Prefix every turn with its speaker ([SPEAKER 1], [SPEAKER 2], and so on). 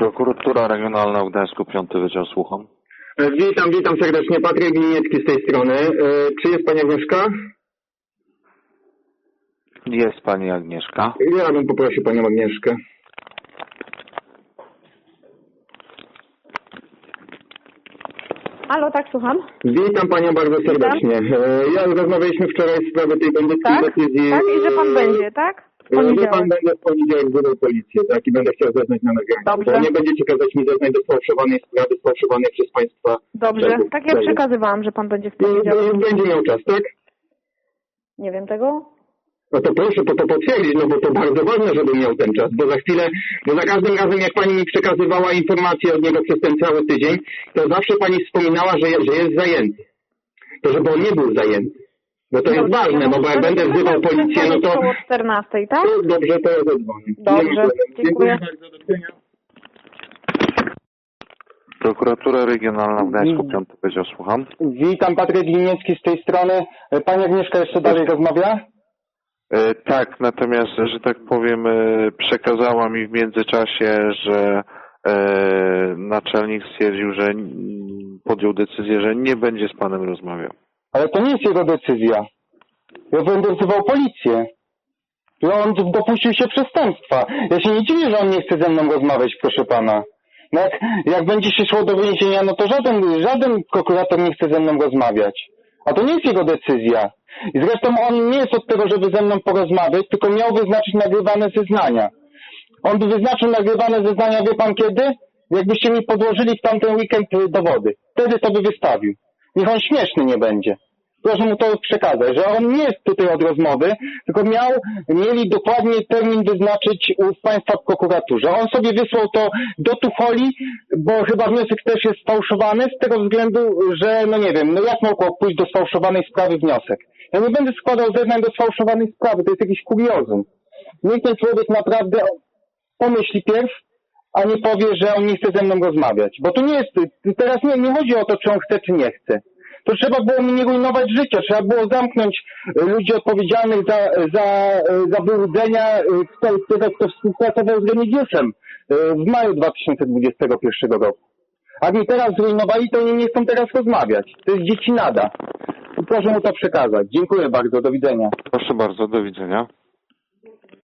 [SPEAKER 1] Prokuratura Regionalna w Gdańsku, 5 Wydział, słucham.
[SPEAKER 2] Witam serdecznie. Patryk Gliniecki z tej strony. Czy jest Pani Agnieszka?
[SPEAKER 1] Jest Pani Agnieszka.
[SPEAKER 2] Ja bym poprosił Panią Agnieszkę.
[SPEAKER 3] Halo, tak, słucham.
[SPEAKER 2] Witam Panią bardzo serdecznie. Rozmawialiśmy wczoraj w sprawie tej bandyckiej decyzji.
[SPEAKER 3] Tak, i że Pan będzie, tak?
[SPEAKER 2] Że Pan będę w poniedziałek wzywał policję, tak? I będę chciał zeznać na nagraniu.
[SPEAKER 3] Dobrze.
[SPEAKER 2] Bo nie będziecie kazać mi zeznać do sfałszowanej sprawy, sfałszowanej przez Państwa.
[SPEAKER 3] Dobrze, tak ja przekazywałam, że Pan będzie w poniedziałek.
[SPEAKER 2] Będzie miał czas, tak?
[SPEAKER 3] Nie wiem tego.
[SPEAKER 2] No to proszę to potwierdzić, no bo to bardzo ważne, żeby miał ten czas, bo za chwilę, bo za każdym razem jak Pani mi przekazywała informacje od niego przez ten cały tydzień, to zawsze Pani wspominała, że jest zajęty. To żeby on nie był zajęty. Bo to jest ważne, no bo jak będę wzywał policję, no to...
[SPEAKER 3] Około 14, tak?
[SPEAKER 2] To dobrze, to ja zadzwonię.
[SPEAKER 3] Dobrze, dziękuję.
[SPEAKER 2] bardzo, do widzenia.
[SPEAKER 1] Prokuratura Regionalna w Gdańsku, 5 Wydział, słucham.
[SPEAKER 2] Witam, Patryk Gliniecki z tej strony. Pani Agnieszka jeszcze dalej rozmawia?
[SPEAKER 1] Tak, natomiast, że tak powiem, przekazała mi w międzyczasie, że naczelnik stwierdził, że podjął decyzję, że nie będzie z Panem rozmawiał.
[SPEAKER 2] Ale to nie jest jego decyzja. Ja będę wzywał policję. Że on dopuścił się przestępstwa. Ja się nie dziwię, że on nie chce ze mną rozmawiać, proszę pana. No jak będzie się szło do więzienia, no to żaden prokurator nie chce ze mną rozmawiać. A to nie jest jego decyzja. I zresztą on nie jest od tego, żeby ze mną porozmawiać, tylko miał wyznaczyć nagrywane zeznania. On by wyznaczył nagrywane zeznania, wie pan kiedy? Jakbyście mi podłożyli w tamten weekend dowody. Wtedy to by wystawił. Niech on śmieszny nie będzie. Proszę mu to przekazać, że on nie jest tutaj od rozmowy, tylko mieli dokładnie termin wyznaczyć w Państwa w prokuraturze. On sobie wysłał to do Tucholi, bo chyba wniosek też jest sfałszowany z tego względu, że no nie wiem, no jak mogło pójść do sfałszowanej sprawy wniosek? Ja nie będę składał zeznań do sfałszowanej sprawy, to jest jakiś kuriozum. Niech ten człowiek naprawdę pomyśli pierw, a nie powie, że on nie chce ze mną rozmawiać. Bo to nie jest, teraz nie chodzi o to, czy on chce, czy nie chce. To trzeba było mi nie rujnować życia, trzeba było zamknąć ludzi odpowiedzialnych za wyłudzenia, kto współpracował z Remigiuszem w maju 2021 roku. A mi teraz zrujnowali, to oni nie chcą teraz rozmawiać. To jest dziecinada. Proszę mu to przekazać. Dziękuję bardzo, do widzenia.
[SPEAKER 1] Proszę bardzo, do widzenia.